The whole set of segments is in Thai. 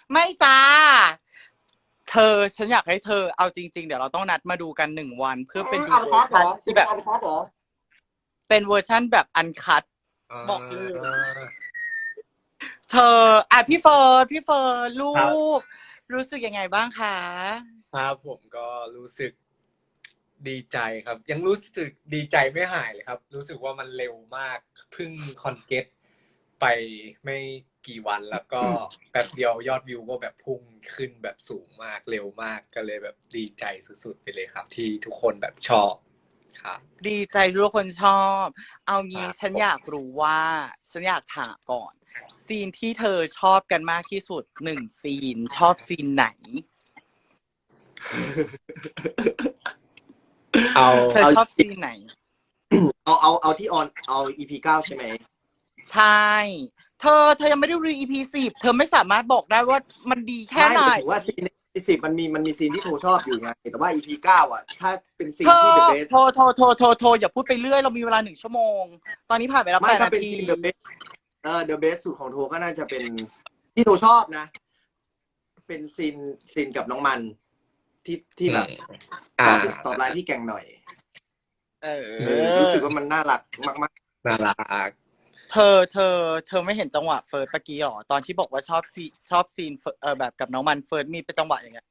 ไม่จ้าเธอฉันอยากให้เธอเอาจริงๆเดี๋ยวเราต้องนัดมาดูกัน1 วันเพื่อเป็นดูอันเวอร์ชันคัดเหรอที่แบบคุณอันคัดเหรอเป็นเวอร์ชันแบบอันคัตอ่บอกเลยาเธอพี่เฟิร์นลูครับกรู้สึกยังไงบ้างคะครับผมก็รู้สึกดีใจครับ ยังรู้สึกดีใจไม่หายเลยครับ รู้สึกว่ามันเร็วมากเพิ่งคอนเกตไปไม่กี่วันแล้วก็แป๊บเดียวยอดวิวก็แบบพุ่งขึ้นแบบสูงมากเร็วมากก็เลยแบบดีใจสุดๆไปเลยครับ ที่ทุกคนแบบชอบครับดีใจที่ทุกคนชอบเอางี้ฉันอยากรู้ว่าฉันอยากถามก่อนซีนที่เธอชอบกันมากที่สุด1 ซีนชอบซีนไหนเอาเธอชอบซีนไหนเอาที่ออนเอา EP9 ใช่ไหมใช่เธอยังไม่ได้ดู EP10เธอไม่สามารถบอกได้ว่ามันดีแค่ไม่ไหนหมายถึงว่าซีนใน EP10มันมีซีนที่โทชอบอยู่ไงแต่ว่า EP9 อ่ะถ้าเป็นซีเธอนที่ The Best โทรอย่าพูดไปเรื่อยเรามีเวลา1 ชั่วโมงตอนนี้ผ่านไปแล้วไม่ถ้าเป็น 8 นาทีซีน The Best The Best สุดของโทก็น่าจะเป็นที่โทชอบนะเป็นซีนกับน้องมันที่แบบตอบไลน์พี่แกงหน่อยเอรู้สึอกว่ามันน่ารักมากน่ารักเธอไม่เห็นจังหวะเฟิร์สเมื่อกี้หรอตอนที่บอกว่าชอบซีนแบบกับน้องมันเฟิร์สมีเป็นจังหวะอย่างเงี้ย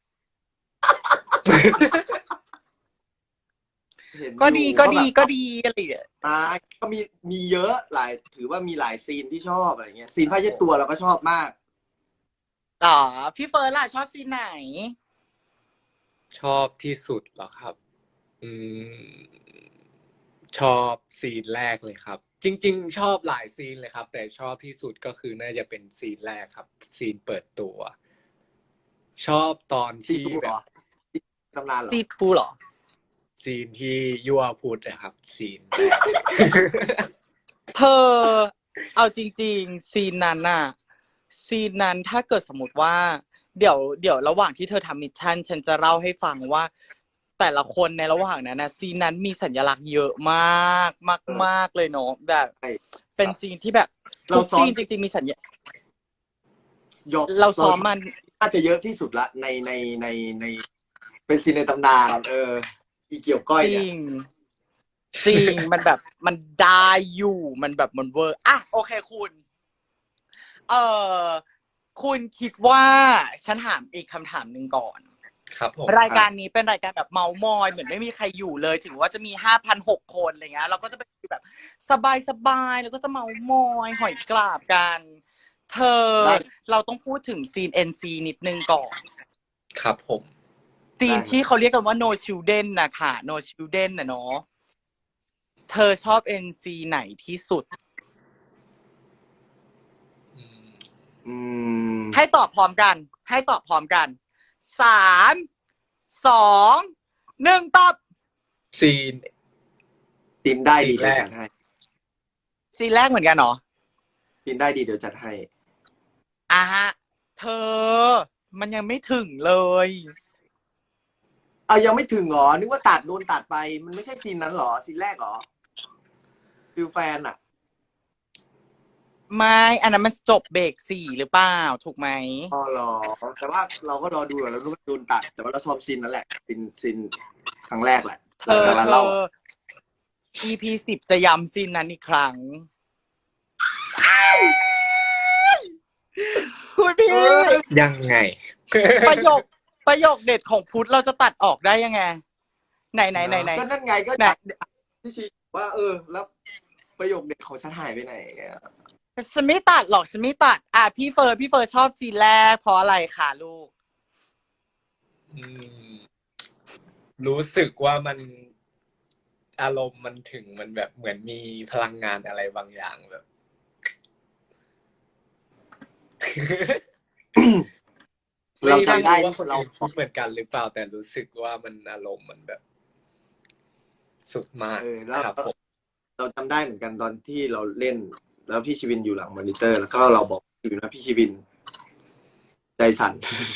ๆเห็นก็อยู่ดีก็แบบก็ดีอะไรอย่างเงี้ยก็มีเยอะถือว่ามีหลายซีนที่ชอบอะไรเงี้ยซีนผ้าเช็ดตัวเราก็ชอบมากอ๋อพี่เฟิร์สล่ะชอบซีนไหนชอบที่สุดเหรอครับ อืมชอบซีนแรกเลยครับ จริงๆชอบหลายซีนเลยครับ แต่ชอบที่สุดก็คือน่าจะเป็นซีนแรกครับ ซีนเปิดตัว ชอบตอนซีที่ทูเหรอแบบซีตำนานเหรอซีทูเหรอซีนที่ยั่วพุทธนะครับ ซีนแรกเธอเอาจริงๆซีนนั้นน่ะซีนนั้นถ้าเกิดสมมติว่าเดี๋ยวระหว่างที่เธอทำมิชชั่นฉันจะเล่าให้ฟังว่าแต่ละคนในระหว่างนั้นนะซีนนั้นมีสัญลักษณ์เยอะมากมากเลยเนาะแบบใช่เป็นซีนที่แบบเราทุกซ้อมซีนจริงๆมีสัญญายกเราซ้อมมันน่าจะเยอะที่สุดละในเป็นซีนในตำนานอีเกี่ยวก้อยจริเนี่ยงจริงมันแบบมันได้อยู่มันแบบมันเวอร์อ่ะโอเคคุณเอ่อคุณคิดว่าฉันถามอีกคำถามหนึ่งก่อนครับผมรายการนี้เป็นรายการแบบเมามอยเหมือนไม่มีใครอยู่เลยถึงว่าจะมี5,600 คนอะไรเงี้ยเราก็จะเป็นแบบสบายแล้วก็จะเมามอยหอยกราบกันเธอได้เราต้องพูดถึงซีน NC นิดนึงก่อนครับผมซีนได้ที่เขาเรียกกันว่า no children นะค่ะ no children นะเนาะเธอชอบ NC ไหนที่สุดอืมให้ตอบพร้อมกัน3 2 1ตอบซีนทีมได้ดีซีนแรกเดี๋ยวจัดให้ซีนแรกเหมือนกันเหรอทีมได้ดีเดี๋ยวจัดให้อ่ะฮะเธอมันยังไม่ถึงเลยยังไม่ถึงเหรอนึกว่าโดนตัดไปมันไม่ใช่ซีนนั้นเหรอซีนแรกเหรอฟิลแฟนอะไม่อันนั้นมันจบเบรก 4หรือเปล่าถูกไหมเหรอแต่ว่าเราก็รอดูอยู่แล้วนึกว่าโดนตัดแต่ว่าเราซ้อมซีนนั่นแหละซีนครั้งแรกแหละเธหลังอจากนั้นเรา EP10จะย้ำซีนนั้นอีกครั้งคุณพี่ยังไงประโยคประโยคเด็ดของพุทธเราจะตัดออกได้ยังไงไหนก็นั่นไงก็อยากที่ชี้ว่าแล้วประโยคเด็ดของฉันหายไปไหนเนี่ยฉันไม่ตัดหรอกฉันไม่ตัดพี่เฟิร์นชอบซีนแรกเพราะอะไรคะลูกอืมรู้สึกว่ามันอารมณ์มันถึงมันแบบเหมือนมีพลังงานอะไรบางอย่างแบบเราจำได้ว่าคนเราอื่นคิดเหมือนกันหรือเปล่าแต่รู้สึกว่ามันอารมณ์มันแบบสุดมากแล้วครับผมเราจำได้เหมือนกันตอนที่เราเล่น แล้วพี่ชีวินอยู่หลังมอนิเตอร์ แล้วก็เราบอกอยู่นะพี่ชีวิน ใจสั่น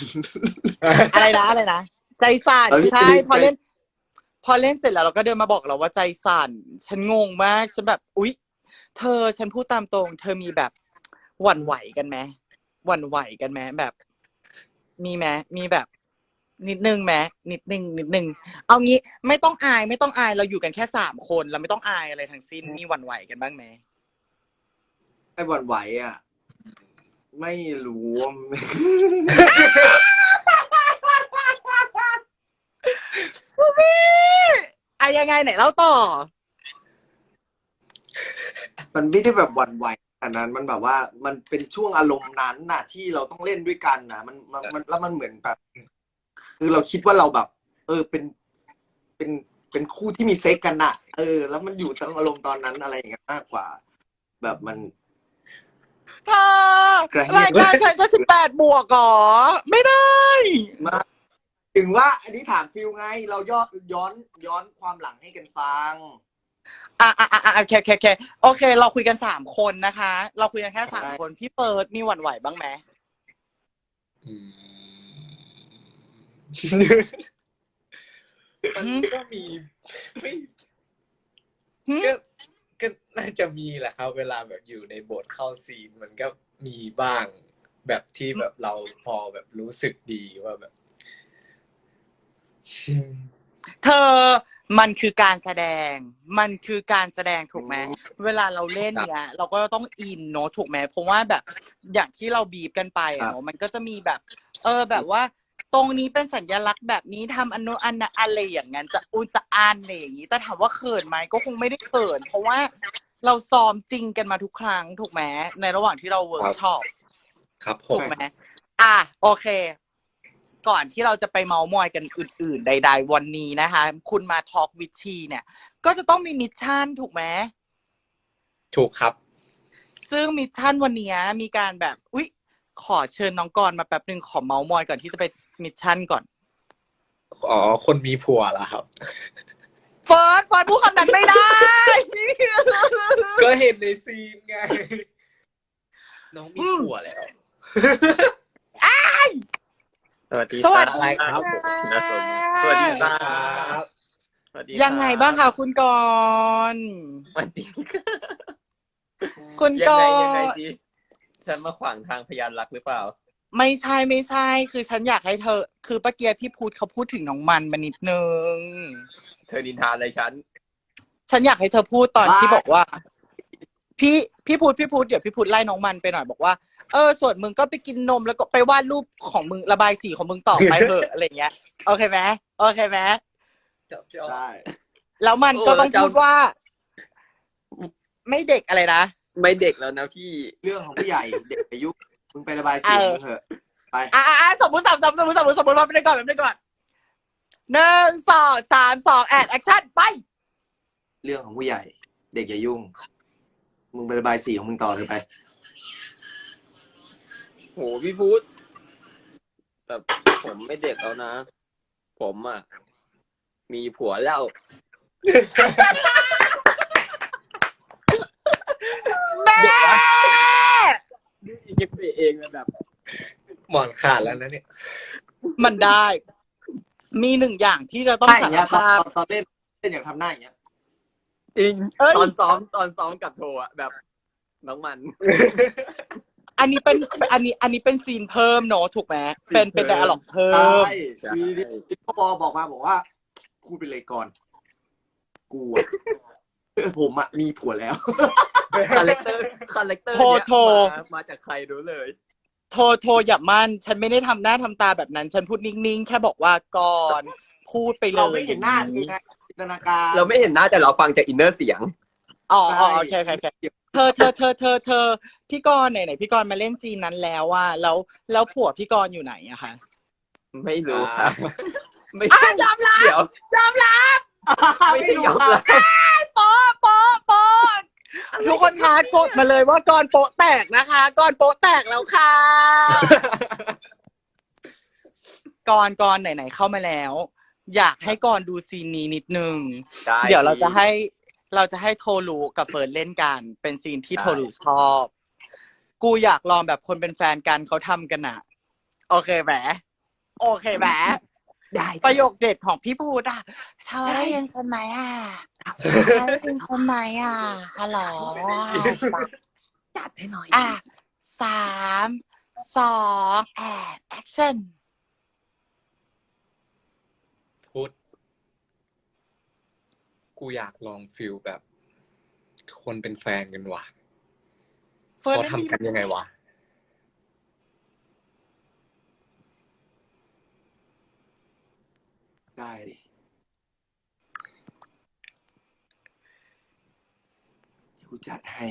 อะไรนะใจสั่นพี่ใช่ชีวินพอเล่นเสร็จแล้วเราก็เดินมาบอกเราว่าใจสั่นฉันงงมากฉันแบบอุ๊ยเธอฉันพูดตามตรงเธอมีแบบหวั่นไหวกันไหมหวั่นไหวกันไหมแบบมีไหมมีแบบ นิดนึงไหมนิดนึงเอางี้ไม่ต้องอายเราอยู่กันแค่3 คนเราไม่ต้องอายอะไรทั้งสิ้นมีหวั่นไหวกันบ้างไหมไอ้หวั่นไหวอ่ะ ไม่รู้ยังไงไหนเล่าต่อมันไม่ได้แบบหวั่นไหวขนาดนั้นมันแบบว่ามันเป็นช่วงอารมณ์นั้นน่ะ ที่เราต้องเล่นด้วยกันน่ะ มันแล้วมันเหมือนแบบ คือเราคิดว่าเราแบบ เป็นคู่ที่มีเซ็กกันน่ะ แล้วมันอยู่ตรงอารมณ์ตอนนั้นอะไรอย่างเงี้ยมากกว่า แบบมันเธอรายการฉันจะ18 บวกเหรอไม่ได้มาถึงว่า อันนี้ถามฟิลไง เราย้อนความหลังให้กันฟังโอเคโอเค เราคุยกัน3 คนนะคะ เราคุยกันแค่3 คนพี่เปิดมีหวั่นไหวบ้างไหมมันก็มีไม่หืมก็น่าจะมีแหละครับ เวลาแบบอยู่ในบทเข้าซีนมันก็มีบ้าง แบบที่แบบเราพอแบบรู้สึกดีว่าแบบเธอมันคือการแสดงถูกไหมเวลาเราเล่นเนี้ย เราก็ต้องอินเนาะถูกไหมเพราะว่าแบบอย่างที่เราบีบกันไปอะเนาะมันก็จะมีแบบ แบบว่า ตรงนี้เป็นสัญลักษณ์แบบนี้ทำอันโนอันนะอะไรอย่างนั้นจะอุจะอ่านอะไรอย่างนี้แต่ถามว่าเขินไหมก็คงไม่ได้เขินเพราะว่าเราซ้อมจริงกันมาทุกครั้งถูกไหมในระหว่างที่เราเวิร์กช็อปครับผถูมกไหมโอเค ก่อนที่เราจะไปเมาส์มอยกันอื่นๆ ใดๆวันนี้นะคะ คุณมาทอล์กวิดชีเนี่ย ก็จะต้องมีมิชชั่นถูกไหมถูกครับซึ่งมิชชั่นวันนี้มีการแบบ อุ๊ย ขอเชิญน้องกรณ์มาแป๊บนึงขอเมาส์มอยก่อนที่จะไปมิชชั่นก่อนอ๋อ คนมีผัวแล้วครับเฟิร์สพูดคำนั้นไม่ได้ก็เห็นในซีนไง น้องมีผัวแล้วสวัสดีสวัสอะไรดีครับนะสมสวัสดีครับ สวัสดีครับยังไงบ้างคะคุณกรณ์สวัสดีครับคุณกรณ์ยังไงดีฉันมาขวางทางพยานรักหรือเปล่าไม่ใช่ คือฉันอยากให้เธอ คือป้าเกียร์พี่พูดเขาพูดถึงน้องมันมานิดนึงเธอนินทาอะไรฉันฉันอยากให้เธอพูดตอนบ้าที่บอกว่า พี่พูดเดี๋ยวพี่พูดไล่น้องมันไปหน่อยบอกว่าส่วนมึงก็ไปกินนมแล้วก็ไปวาดรูปของมึงระบายสีของมึงต่อไปเถอะ อะไรเงี้ยโอเคไหมได้แล้วมันก็ต้องพูดว่า ไม่เด็กอะไรนะไม่เด็กแล้วนะพี่เรื่องของผู้ใหญ่เด็กอายุมึงไประบายสีมึงเถอะไปสมมติว่าไปก่อน1 2 3 2แอคชั่นไปเรื่องของผู้ใหญ่ เด็กอย่ายุ่ง มึงไประบายสีของมึงต่อเถอะไปโหพี่พุทธแต่ผมไม่เด็กแล้วนะ ผมอ่ะ มีผัวแล้วแม่ยิบไปเองแบบหมอนขาดแล้วนะเนี่ยมันได้ มี1 อย่างที่จะต้องใช่อสาย่างรเงี้ยตอภาพนเล่นอย่างทำหน้าอย่างเงี้ยจริงเอ้ยตอนซ้อมกับโทอ่ะแบบน้องมันอันนี้เป็นซีนเพิ่มเนอะถูกไหมเป็นไดอะล็อกเพิ่ใช่มคือพ่อบอกว่าพูดไปเลยก่อน กูอะ ผมอะมีผัวแล้วคาแรคเตอร์โทรเนี้ยโทรมาจากใครรู้เลยโทรอย่ามั่นฉันไม่ได้ทำหน้าทำตาแบบนั้น ฉันพูดนิ่งๆ แค่บอกว่าก่อนพูดไปเลยเราไม่เห็นหน้าคือไงจินตนาการเราไม่เห็นหน้าแต่เราฟังจากอินเนอร์เสียงอ๋อโอเคเธอพี่กรณ์ไหนพี่กรณ์มาเล่นซีนนั้นแล้วว่าแล้วผัวพี่กรณ์อยู่ไหนอะคะไม่รู้ครับไม่ใช่ยอมรับเดี๋ยวยอมรับไม่ใช่ยอมรับโป๊ะทุกคนคะกดมาเลยว่ากรณ์โป๊ะแตกนะคะกรณ์โป๊ะแตกแล้วค่ะกรณ์ไหนๆเข้ามาแล้ว อยากให้กรณ์ดูซีนนี้นิดนึงได้เดี๋ยวเราจะให้โทรูกับเฟิร์นเล่นกัน เป็นซีนที่โทรูชอบ กูอยากลองแบบคนเป็นแฟนกันเขาทำกันอะโอเคไหมได้ประโยคเด็ดของพี่พูดอะเธอได้ยินฉันไหมอะได้ยินฉันไหมอะฮัลโหลจัดให้หน่อย 3 2แอคชั่นกูอยากลองฟิลแบบ คนเป็นแฟนกันว่ะเฟิร์นเขาไม่มีทำกันยังไงวะได้ดิเดี๋ยวกูจัดให้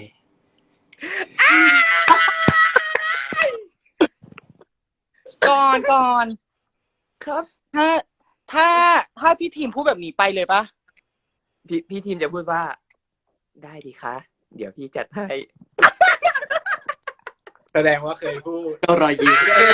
ก่อนครับถ้าพี่ทีมพูดแบบนี้ไปเลยปะพี่ทีมจะพูดว่า ได้ดีคะ เดี๋ยวพี่จัดให้แสดงว่าเคยพูดก็รอยยิ้ม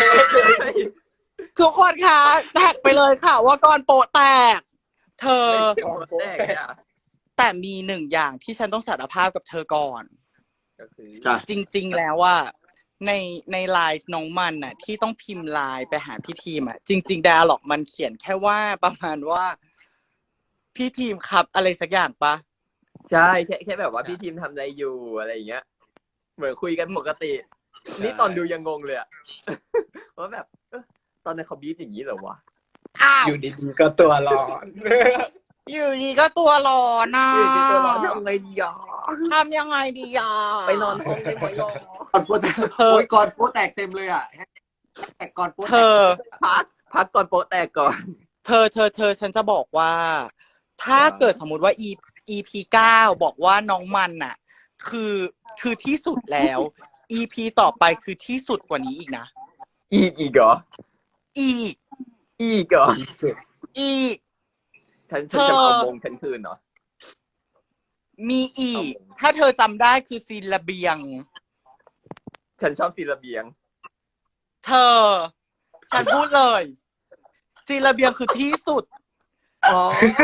ทุกคนคะแท็กไปเลยค่ะ ว่าก่อนโปะแตก เธอแตกอ่ะแต่มีหนึ่งอย่างที่ฉันต้องสารภาพกับเธอก่อนก็คือจ้ะจริง ๆ แล้วว่าในไลน์น้องมันน่ะ ที่ต้องพิมพ์ไลน์ไปหาพี่ทีมอ่ะ จริงๆ dialog มันเขียนแค่ว่าประมาณว่า พี่ทีมครับอะไรสักอย่างปะใช่แค่แบบว่าพี่ทีมทำอะไรอยู่อะไรอย่างเงี้ย เหมือนคุยกันปกติ นี่ตอนดูยังงงเลยอะ ว่าแบบตอนนั้นเขาบีบอย่างนี้เหรอวะอ้าวอยู่ดีๆก็ตัวร้อนอยู่ดีก็ตัวร้อนนะคือที่ตัวร้อนทำไงดีอ่ะทำยังไงดีอ่ะไปนอนห้องได้ไหมอ่ะก่อนโป๊แตกโอ้ยก่อนโป๊แตกเต็มเลยอ่ะแต่ก่อนโป๊แตกเธอพักก่อนโป๊ะแตกก่อนเธอฉันจะบอกว่า ถ้าเกิดสมมุติว่า EP 9บอกว่าน้องมันน่ะ คือที่สุดแล้ว EP ต่อไปคือที่สุดกว่านี้อีกนะอีกเหรออีกอีกเหรออีกฉันเธอจะเอามงฉันคืนเหรอมีอีก ถ้าเธอจำได้คือซีนระเบียงฉันชอบซีนระเบียงเธอ ฉันพูดเลย ซีนระเบียงคือที่สุดอ๋อ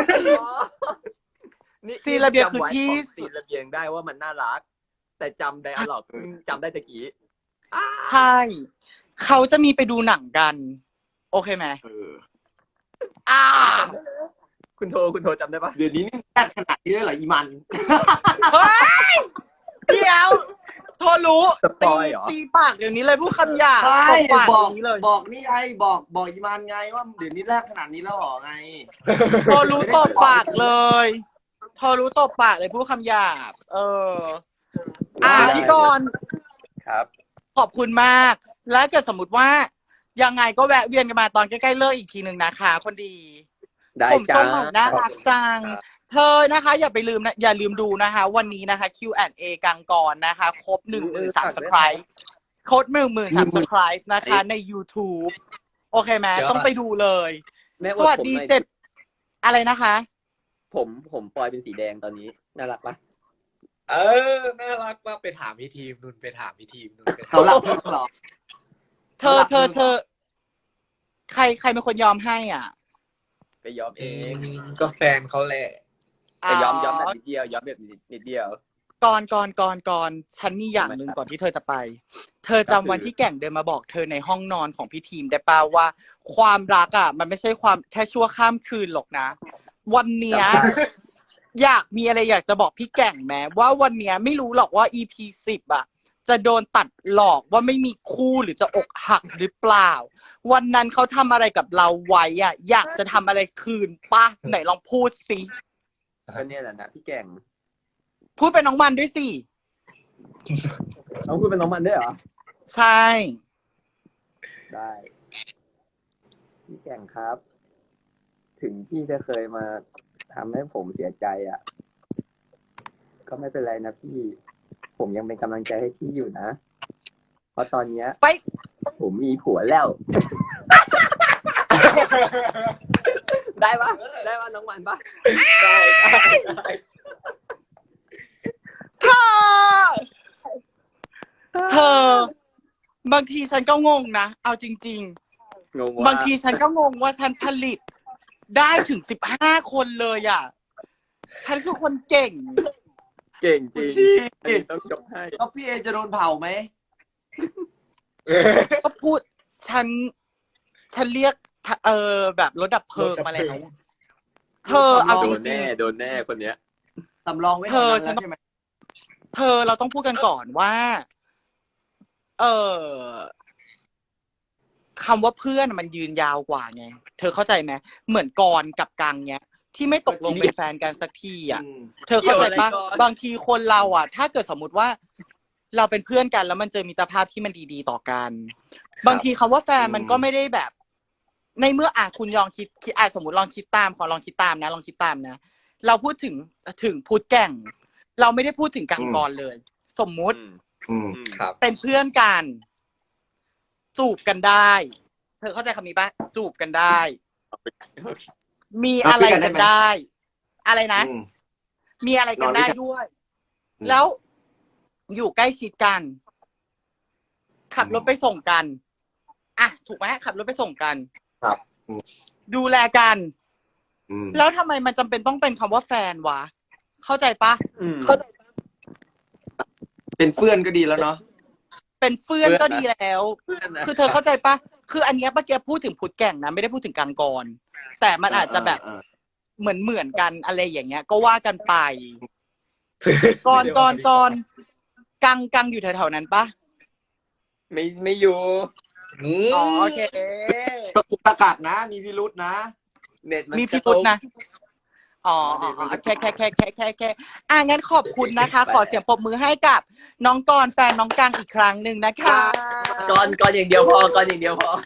นี่ซีนระเบียงคือที่จำไว้ของซีนระเบียงได้ว่ามันน่ารัก แต่จำไดอะล็อกจำได้ตะกี้ใช่ เขาจะมีไปดูหนังกัน โอเคไหม อ่าคุณโทจำได้ปะเดี๋ยวนี้นี่แอดขนาดนี้เลยเหรออีมันเฮ้ย เดี๋ยวโทรรู้สปอยเหรอตีปากเดี๋ยวนี้เลยพูดคำหยาบใช่ตบปากบอเดี๋ยวนี้เลยบอกนี่ไงบอกอีมันไงว่าเดี๋ยวนี้แรกขนาดนี้แล้วเหรอไงโทรรู้ตบปากเลยโทรรู้ตบปากเลยพูดคำหยาบ พี่กรณ์ครับขอบคุณมาก แล้วเกิดสมมติว่า ยังไงก็แวะเวียนกันมาตอนใกล้ๆเลิกอีกทีหนึ่งนะคะ คนดีได้ผมจ้าส้มใหม่น่ารักจังครับเธอนะคะ อย่าลืมดูนะคะ วันนี้นะคะ Q&A กังกรนะคะ ครบ 10,000 subscribe ครบ 10,000 subscribe นะคะ ใน YouTube โอเคไหมเดี๋ยวต้องไปดูเลยแม่สวัสดีผมหน่อย 7 อะไรนะคะผมปล่อยเป็นสีแดงตอนนี้ น่ารักปะน่ารักมากไปถามพี่ทีมนุ่นไปถามพี่ทีมนุ่นไปถามเขาหลับเพิ่งเหรอเธอ ใครเป็นคนยอมให้อ่ะไปยอมเองก็แฟนเขาแหละแต่ยอมแบบนิดเดียว ยอมแบบนิดเดียวก่อนฉันมีอย่างหนึ่งก่อนที่เธอจะไป เธอจำวันที่แก่งเดินมาบอกเธอในห้องนอนของพี่ทีมได้ป่าวว่า ความรักอ่ะ มันไม่ใช่ความแค่ชั่วข้ามคืนหรอกนะ วันเนี้ยจำได้อยากจะบอกพี่แก่งแม้ว่าวันเนี้ยไม่รู้หรอกว่า EP 10อ่ะ จะโดนตัดหลอกว่าไม่มีคู่หรือจะอกหักหรือเปล่า วันนั้นเขาทำอะไรกับเราไว้อ่ะ อยากจะทำอะไรคืนป่ะไหนลองพูดสิก็เนี่ยแหละนะพี่แก่งพูดเป็นน้องมันด้วยสิเอาคุณเป็นน้องมันด้วยเหรอใช่ได้ พี่แก่งครับ ถึงพี่จะเคยมาทำให้ผมเสียใจอ่ะ ก็ไม่เป็นไรนะพี่ ผมยังเป็นกำลังใจให้พี่อยู่นะ เพราะตอนเนี้ยไปผมมีผัวแล้ว ได้ปะได้ปะน้องมันปะได้ได้เธอบางทีฉันก็งงนะ เอาจริงงงๆว่าบางทีฉันก็งงว่าฉันผลิตได้ถึง15 คนเลยอ่ะ ฉันคือคนเก่งเก่งจริงชี้อันนี้ต้องยกให้แล้วพี่เอจะโดนเผาไหมก็พูดฉันเรียกแบบรถดับเพลิงมาแล้วเธอเอาโดจนริแน่งโดนแน่คนเนี้ยสำรองไว้ทำนั้นแล้วใช่ไหมๆเธอเราต้องพูดกันก่อนว่า คำว่าเพื่อนมันยืนยาวกว่าไง เธอเข้าใจไหมเหมือนกรกับกังเนี้ยที่ไม่ตกลงเป็นแฟนกันสักทีอ่ะอืมเธอเข้าใจปะเกี่ยวอะไรก่อนบางทีคนเราอ่ะ ถ้าเกิดสมมติว่า เราเป็นเพื่อนกันแล้วมันเจอมิตรภาพที่มันดีๆต่อกัน บางทีคำว่าแฟนมันก็ไม่ได้แบบ ในเมื่อคุณลองคิดสมมติลองคิดตามลองคิดตามนะ เราพูดถึงพุทธแก่ง เราไม่ได้พูดถึงกังกรเลย สมมุติอืมครับเป็นเพื่อนกัน จูบกันได้ เธอเข้าใจคำนี้ปะจูบกันได้ มีอะไรกันได้ อะไรนะอืมมีอะไรกันได้ด้วยอืมแล้วอยู่ใกล้ชิดกัน ขับรถไปส่งกัน อ่ะ ถูกไหมขับรถไปส่งกันครับดูแลกันอืมแล้วทำไมมันจำเป็นต้องเป็นคำว่าแฟนวะ เข้าใจปะเป็นเพื่อนก็ดีแล้วเนาะเป็นเพื่อนก็ดีแล้วเพื่อนนะคือเธอเข้าใจปะคืออันเนี้ยเมื่อกี้พูดถึงพุทธแก่งนะไม่ได้พูดถึงกังกร แต่มันอาจจะแบบ เหมือนกันอะไรอย่างเงี้ย ก็ว่ากันไป ก่อนกังอยู่แถวๆนั้นปะไม่อยู่อ๋อโอเคตะกุกตะกักนะ มีพิรุษนะเน็ตมันมีพี่พุทธนะ อ๋อแค่งั้นขอบคุณนะคะ ขอเสียงปรบมือให้กับน้องกรแฟนน้องกังอีกครั้งหนึ่งนะคะก่อนอย่างเดียวพอก่อนอย่างเดียวพอก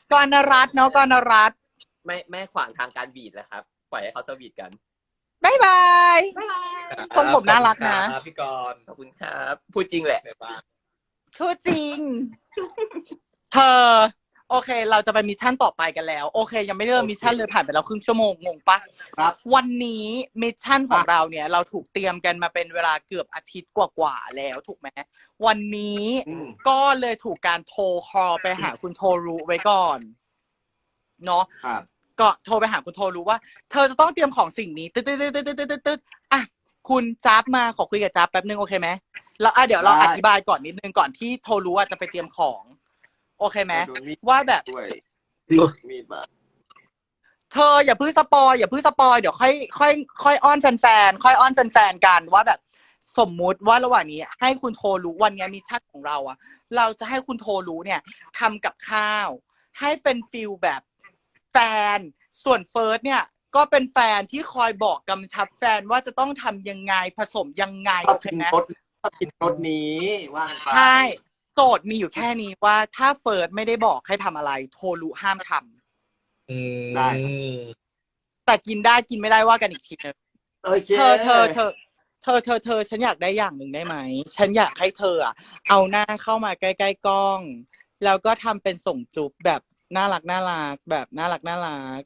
รณรัตน์เนาะกรณรัตน์ไม่ขวางทางการบีดแล้วครับ ปล่อยให้เขาสวีทกันบ๊ายบาย ทรงผมน่ารักนะครับพี่กรณ์ขอบคุณครับ พูดจริงแหละบ๊ายบายทูจริง เธอ โอเค เราจะไปมิชชั่นต่อไปกันแล้ว โอเค ยังไม่ได้เริ่มมิชชั่นเลยผ่านไปแล้วครึ่งชั่วโมงงงปะครับวันนี้มิชชั่นของเราเนี่ย เราถูกเตรียมกันมาเป็นเวลาเกือบอาทิตย์กว่าๆแล้วถูกไหมวันนี้อืมก็เลยถูกการโทรคอลไปหาคุณโทรุไว้ก่อนเนาะครับก็โทรไปหาคุณโทรุว่า เธอจะต้องเตรียมของสิ่งนี้ตึ๊ดอ่ะคุณจ๊าบมาขอคุยกับจ๊าบแป๊บนึงโอเคไหมแล้วเดี๋ยวเราอธิบายก่อนนิดนึงก่อนที่โทรุจะไปเตรียมของ โอเคไหมโดนมีดว่าแบบด้วย มีดบาดเธออย่าเพิ่งสปอยเดี๋ยวค่อยอ้อนแฟนๆค่อยอ้อนแฟนๆกันว่าแบบ สมมุติว่าระหว่างนี้ให้คุณโทรุวันนี้มิชชั่นของเราอะเราจะให้คุณโทรุเนี่ยทำกับข้าว ให้เป็นฟิลแบบแฟนส่วนเฟิร์สเนี่ย ก็เป็นแฟนที่คอยบอกกำชับแฟนว่าจะต้องทำยังไงผสมยังไงชอโอบ เคกินไหมรสชอบกินรสนี้ว่ากันไปใช่โจทย์มีอยู่แค่นี้ว่าถ้าเฟิร์สไม่ได้บอกให้ทำอะไร โทรุห้ามทำได้แต่กินได้กินไม่ได้ว่ากันอีกทีนึงโอเคเธอฉันอยากได้อย่างหนึ่งได้ไหม ฉันอยากให้เธออะเอาหน้าเข้ามาใกล้ๆกล้อง แล้วก็ทำเป็นส่งจุ๊บแบบน่ารักแบบน่ารัก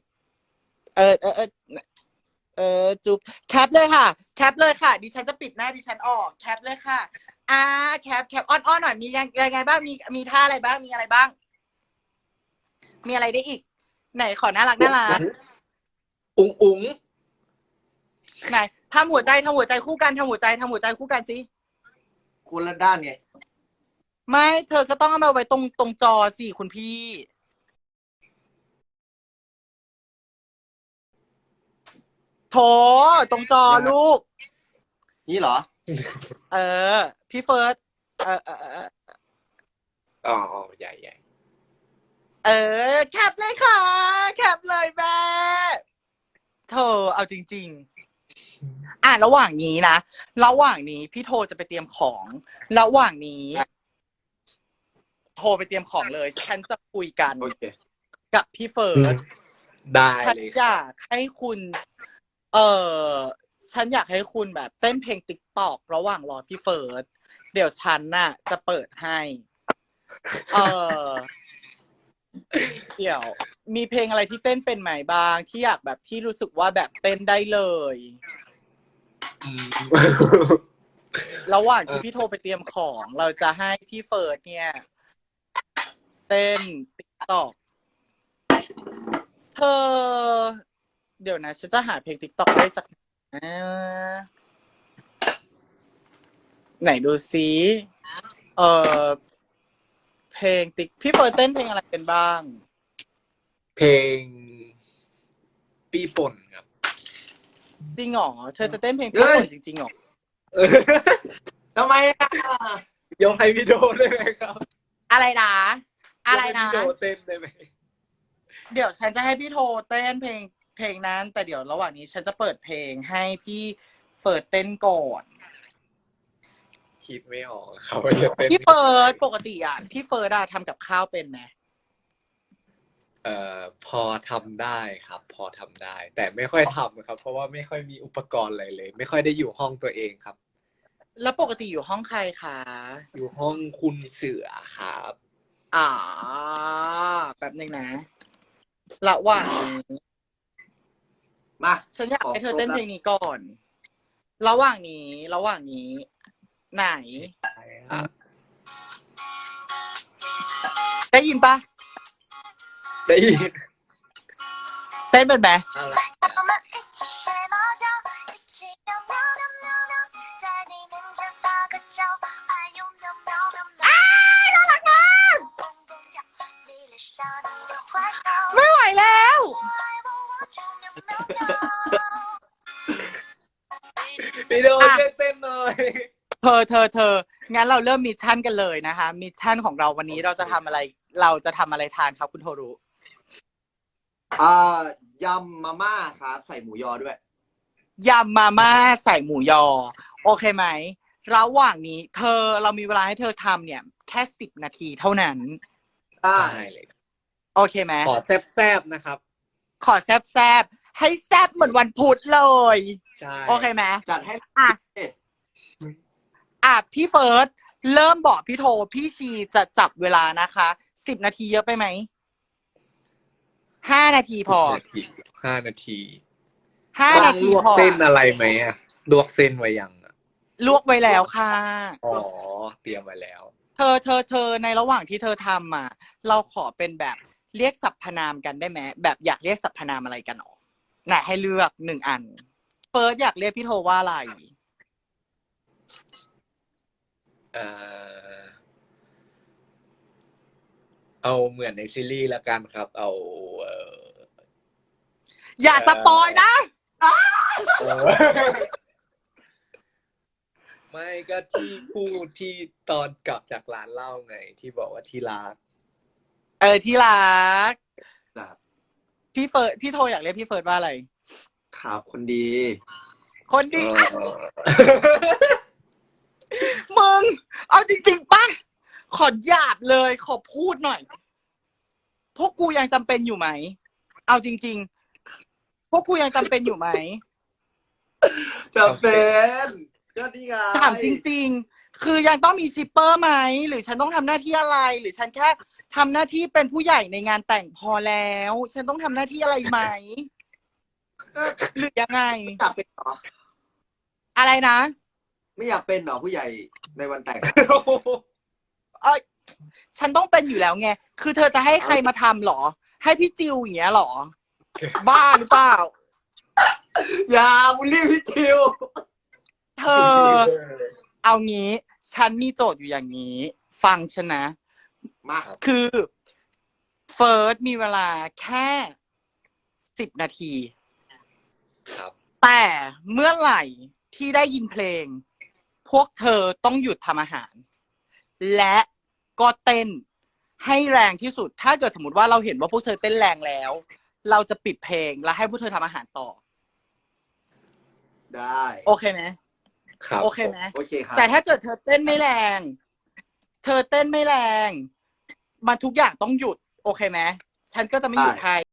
จุ๊บแคปเลยค่ะ ดิฉันจะปิดหน้าดิฉันออกแคปเลยค่ะแคปอ้อนหน่อยมียังไงบ้างมีท่าอะไรบ้างมีอะไรบ้าง มีอะไรได้อีก ไหนขอน่ารักอุ๋งไหนทำหัวใจคู่กันทำหัวใจคู่กันสิคนละด้านไงไม่เธอก็ต้องเอามาไว้ตรงจอสิคุณพี่โถตรงจอลูกนี่เหรอพี่เฟิร์สอ๋อใหญ่แคปเลยค่ะ แคปเลยแม่เธอเอาจริงๆระหว่างนี้พี่โทรจะไปเตรียมของ ระหว่างนี้ โทรไปเตรียมของเลย ฉันจะคุยกันโอเคกับพี่เฟิร์สได้ฉันเลยอยากให้คุณ ฉันอยากให้คุณแบบเต้นเพลงติ๊กตอกระหว่างรอพี่เฟิร์ส เดี๋ยวฉันน่ะ จะเปิดให้ เดี๋ยว มีเพลงอะไรที่เต้นเป็นไหมบ้างที่อยากแบบที่รู้สึกว่าแบบเต้นได้เลยอืมระหว่างที่พี่โทรไปเตรียมของ เราจะให้พี่เฟิร์สเนี่ย เต้นติ๊กตอกเธอ เดี๋ยวนะฉันจะหาเพลงติ๊กตอกได้จากไหนดูซิเพลงติ๊กพี่เฟิร์สเต้นเพลงอะไรเป็นบ้างเพลงปีป่นครับจริงเหรอเธอจะเต้นเพลงพี่เฟิร์สจริงๆเหรอทำไมอ่ะยกให้พี่โดได้ไหมครับอะไรนะยกให้พี่โดเต้นได้ไหมเดี๋ยวฉันจะให้พี่โทรเต้นเพลงเพลงนั้น แต่เดี๋ยวระหว่างนี้ฉันจะเปิดเพลงให้พี่เฟิร์สเต้นก่อนคิดไม่ออกครับว่าจะเป็นพี่เฟิร์สปกติอ่ะพี่เฟิร์สอะทำกับข้าวเป็นไหมพอทำได้ครับ พอทำได้ แต่ไม่ค่อยทำครับ เพราะว่าไม่ค่อยมีอุปกรณ์อะไรเลย ไม่ค่อยได้อยู่ห้องตัวเองครับแล้วปกติอยู่ห้องใครคะอยู่ห้องคุณเสือครับแป๊บนึงนะระหว่างนี้มาฉันอยากให้เธอเต้นเพลงนี้ก่อน ระหว่างนี้ ไหนอ่ะได้ยินปะได้ยินเต้นเป็นไหมอะไร我们一起睡猫觉，一起喵喵喵喵喵，在你面前撒个娇，哎呦喵喵喵喵。 น่ารักมาก蹦蹦跳，你脸上你的坏笑， ไม่ไหวแล้ว说爱我我就喵喵喵。 พี่โดนช่วยเต้นหน่อยเธอ งั้นเราเริ่มมิชชั่นกันเลยนะคะ มิชชั่นของเราวันนี้เราจะทำอะไรทานครับคุณโทรุยำมาม่าครับใส่หมูยอด้วยยำมาม่าใส่หมูยอ โอเคไหม ระหว่างนี้เรามีเวลาให้เธอทำเนี่ย แค่10 นาทีเท่านั้นได้ได้เลยโอเคไหมขอแซบๆนะครับขอแซบให้แซบเหมือนวันพุธเลยใช่โอเคไหมจัดให้พี่เฟิร์สเริ่มบอกพี่โทพี่ชีจะจับเวลานะคะ10 นาทีเยอะไปไหม5 นาทีพอ 5 นาที 5 นาทีลวกพอเส้นอะไรไหมอะลวกเส้นไว้ยังอะลวกไว้แล้วค่ะอ๋อ เตรียมไว้แล้วเธอในระหว่างที่เธอทำอ่ะ เราขอเป็นแบบเรียกสรรพนามกันได้ไหมแบบอยากเรียกสรรพนามอะไรกันหรอไหนให้เลือก1 อันเฟิร์สอยากเรียกพี่โทว่าอะไรเอาเหมือนในซีรีส์ละกันครับ เอาอย่าสปอยนะไม่ก็ที่พูดที่ตอนกลับจากร้านเหล้าไง ที่บอกว่าที่รักที่รักครับพี่โทอยากเรียกพี่เฟิร์สว่าอะไรครับคนดีคนดี มึง เอาจริงๆป่ะ ขอหยาบเลย ขอพูดหน่อย พวกกูยังจำเป็นอยู่ไหม เอาจริงๆ พวกกูยังจำเป็นอยู่ไหมจะเป็นก็นี่ไงถามจริงๆ คือยังต้องมีชิปเปอร์ไหม หรือฉันต้องทำหน้าที่อะไร หรือฉันแค่ทำหน้าที่เป็นผู้ใหญ่ในงานแต่งพอแล้ว ฉันต้องทำหน้าที่อะไรไหม หรือยังไงไม่อยากเป็นเหรออะไรนะไม่อยากเป็นเหรอผู้ใหญ่ในวันแต่งฉันต้องเป็นอยู่แล้วไง คือเธอจะให้ใครมาทำหรอ ให้พี่จิวอย่างเงี้ยหรอ บ้าหรือเปล่าอย่าบูลลี่พี่ทิวเธอ เอางี้ ฉันมีโจทย์อยู่อย่างนี้ ฟังฉันนะมาคือเฟิร์สมีเวลาแค่10 นาทีครับแต่เมื่อไหร่ที่ได้ยินเพลง พวกเธอต้องหยุดทำอาหาร และก็เต้นให้แรงที่สุด ถ้าเกิดสมมติว่าเราเห็นว่าพวกเธอเต้นแรงแล้ว เราจะปิดเพลงแล้วให้พวกเธอทำอาหารต่อได้โอเคไหมครับโอเคไหมโอเคครับแต่ถ้าเกิดเธอเต้นไม่แรง มันทุกอย่างต้องหยุด โอเคไหมฉันก็จะไม่หยุดให้